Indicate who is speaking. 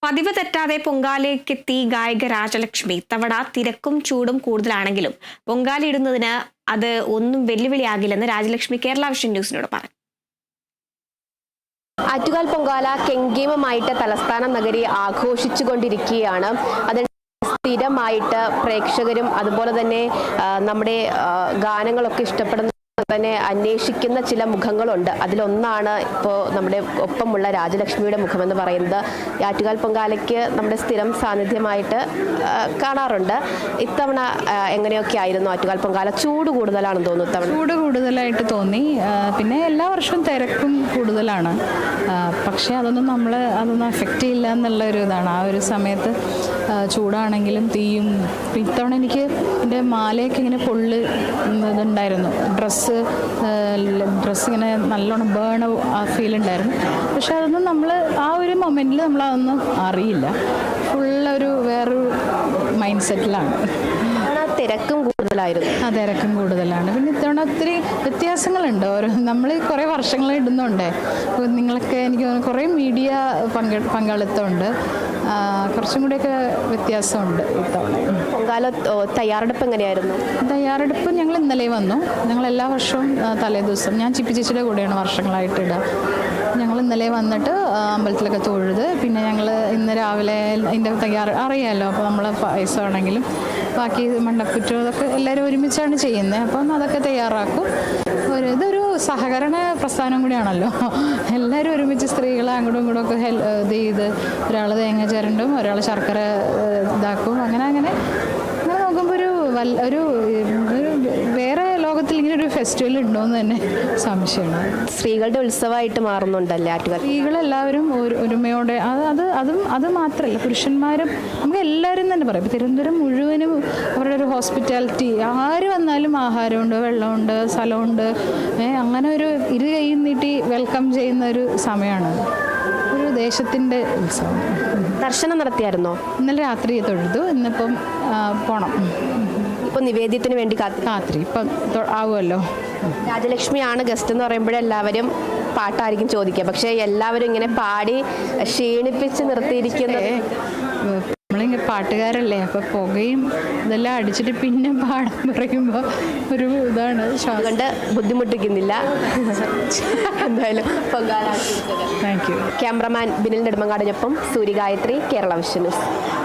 Speaker 1: പതിവ് തെറ്റാതെ പൊങ്കാലയ്ക്കെത്തി ഗായിക രാജലക്ഷ്മി. ഇത്തവണ തിരക്കും ചൂടും കൂടുതലാണെങ്കിലും പൊങ്കാലയിടുന്നതിന് അത് ഒന്നും വെല്ലുവിളിയാകില്ലെന്ന് രാജലക്ഷ്മി കേരള വിഷൻ ന്യൂസിനോട് പറഞ്ഞു.
Speaker 2: ആറ്റുകാൽ പൊങ്കാല കെങ്കേമമായിട്ട് തലസ്ഥാന നഗരി ആഘോഷിച്ചുകൊണ്ടിരിക്കുകയാണ്. അതിന് സ്ഥിരമായിട്ട് പ്രേക്ഷകരും അതുപോലെ തന്നെ നമ്മുടെ ഗാനങ്ങളൊക്കെ ഇഷ്ടപ്പെടുന്ന തന്നെ അന്വേഷിക്കുന്ന ചില മുഖങ്ങളുണ്ട്. അതിലൊന്നാണ് ഇപ്പോൾ നമ്മുടെ ഒപ്പമുള്ള രാജലക്ഷ്മിയുടെ മുഖമെന്ന് പറയുന്നത്. ആറ്റുകാൽ പൊങ്കാലയ്ക്ക് നമ്മുടെ സ്ഥിരം സാന്നിധ്യമായിട്ട് കാണാറുണ്ട്. ഇത്തവണ എങ്ങനെയൊക്കെ ആയിരുന്നു ആറ്റുകാൽ പൊങ്കാല? ചൂട് കൂടുതലാണെന്ന് തോന്നുന്നു. ഇത്തവണ
Speaker 3: ചൂട് കൂടുതലായിട്ട് തോന്നി. പിന്നെ എല്ലാ വർഷവും തിരക്കും കൂടുതലാണ്. പക്ഷേ അതൊന്നും എഫക്റ്റ് ചെയ്യില്ല എന്നുള്ള ഒരു ഇതാണ്. ആ ഒരു സമയത്ത് ചൂടാണെങ്കിലും തീയും. ഇത്തവണ എനിക്ക് എൻ്റെ മാലയൊക്കെ ഇങ്ങനെ ഇതുണ്ടായിരുന്നു. ഡ്രസ്സ് ഇങ്ങനെ നല്ലോണം ബേൺ ആ ഫീൽ ഉണ്ടായിരുന്നു. പക്ഷെ അതൊന്നും നമ്മൾ ആ ഒരു മൊമെൻറ്റിൽ നമ്മളതൊന്നും അറിയില്ല. ഫുള്ളൊരു വേറൊരു മൈൻഡ് സെറ്റിലാണ്.
Speaker 2: തിരക്കും കൂടുതലായിരുന്നു.
Speaker 3: ആ തിരക്കും കൂടുതലാണ്. പിന്നെ ഇത്തവണ ഒത്തിരി വ്യത്യാസങ്ങളുണ്ട്. നമ്മൾ കുറേ വർഷങ്ങൾ ഇടുന്നുണ്ട്. നിങ്ങളൊക്കെ എനിക്ക് തോന്നുന്നു കുറേ മീഡിയ പങ്കാളിത്തമുണ്ട്. കുറച്ചും കൂടിയൊക്കെ വ്യത്യാസമുണ്ട് ഇത്തവണ.
Speaker 2: പൊങ്കാല തയ്യാറെടുപ്പ് എങ്ങനെയായിരുന്നു?
Speaker 3: തയ്യാറെടുപ്പ് ഞങ്ങൾ ഇന്നലെ വന്നു. ഞങ്ങൾ എല്ലാ വർഷവും തലേ ദിവസം, ഞാൻ ചിപ്പി ചേച്ചിയുടെ കൂടെയാണ് വർഷങ്ങളായിട്ട് ഇടുക. ഞങ്ങൾ ഇന്നലെ വന്നിട്ട് അമ്പലത്തിലൊക്കെ തൊഴുത് പിന്നെ ഞങ്ങൾ ഇന്ന് രാവിലെ അതിൻ്റെ അറിയാമല്ലോ. അപ്പോൾ നമ്മൾ പായസമാണെങ്കിലും ബാക്കി മണ്ടക്കുറ്റം അതൊക്കെ എല്ലാവരും ഒരുമിച്ചാണ് ചെയ്യുന്നത്. അപ്പം അതൊക്കെ തയ്യാറാക്കും. ഇതൊരു സഹകരണ പ്രസ്ഥാനം കൂടിയാണല്ലോ. എല്ലാവരും ഒരുമിച്ച് സ്ത്രീകളെ അങ്ങോട്ടും ഇങ്ങോട്ടും ഒക്കെ ഇത് ചെയ്ത് ഒരാൾ തേങ്ങ ചിരണ്ടും ഒരാൾ ശർക്കര ഇതാക്കും. അങ്ങനെ നോക്കുമ്പോൾ ഒരു വേറെ ലോകത്തിൽ ഇങ്ങനെ ഒരു ഫെസ്റ്റിവൽ ഉണ്ടോയെന്ന് തന്നെ സംശയമാണ്.
Speaker 2: സ്ത്രീകളുടെ ഉത്സവമായിട്ട് മാറുന്നുണ്ടല്ലേ ആറ്റുകാൽ?
Speaker 3: സ്ത്രീകളെല്ലാവരും ഒരുമയോടെ അത് മാത്രമല്ല, പുരുഷന്മാരും നമുക്ക് എല്ലാവരും തന്നെ പറയാം. തിരുവനന്തപുരം മുഴുവനും അവരുടെ ഒരു ഹോസ്പിറ്റാലിറ്റി. ആര് വന്നാലും ആഹാരമുണ്ട്, വെള്ളമുണ്ട്, സ്ഥലമുണ്ട്. അങ്ങനെ ഒരു ഇരു കൈ നീട്ടി വെൽക്കം ചെയ്യുന്ന ഒരു സമയമാണ്. ഒരു ദേശത്തിൻ്റെ ഉത്സവം.
Speaker 2: ദർശനം നടത്തിയായിരുന്നോ?
Speaker 3: ഇന്നലെ രാത്രി തൊഴുതു. ഇന്നിപ്പം പോണം.
Speaker 2: ഇപ്പം നിവേദ്യത്തിന് വേണ്ടി
Speaker 3: രാത്രി ഇപ്പം ആവുമല്ലോ.
Speaker 2: രാജലക്ഷ്മിയാണ് ഗസ്റ്റ് എന്ന് പറയുമ്പോഴെല്ലാവരും പാട്ടായിരിക്കും ചോദിക്കുക. പക്ഷേ എല്ലാവരും ഇങ്ങനെ പാടി ക്ഷീണിപ്പിച്ച് നിർത്തിയിരിക്കുന്നത്.
Speaker 3: നമ്മളിങ്ങനെ പാട്ടുകാരല്ലേ, അപ്പോൾ പുകയും ഇതെല്ലാം അടിച്ചിട്ട് പിന്നെ പാടാൻ പറയുമ്പോൾ ഒരു ഇതാണ്.
Speaker 2: അതുകൊണ്ട് ബുദ്ധിമുട്ടിക്കുന്നില്ല. എന്തായാലും Pongala.
Speaker 3: Thank you.
Speaker 2: Cameraman Binil നെടുമങ്ങാടിനൊപ്പം സൂര്യഗായത്രി, കേരള വിഷൻ ന്യൂസ്.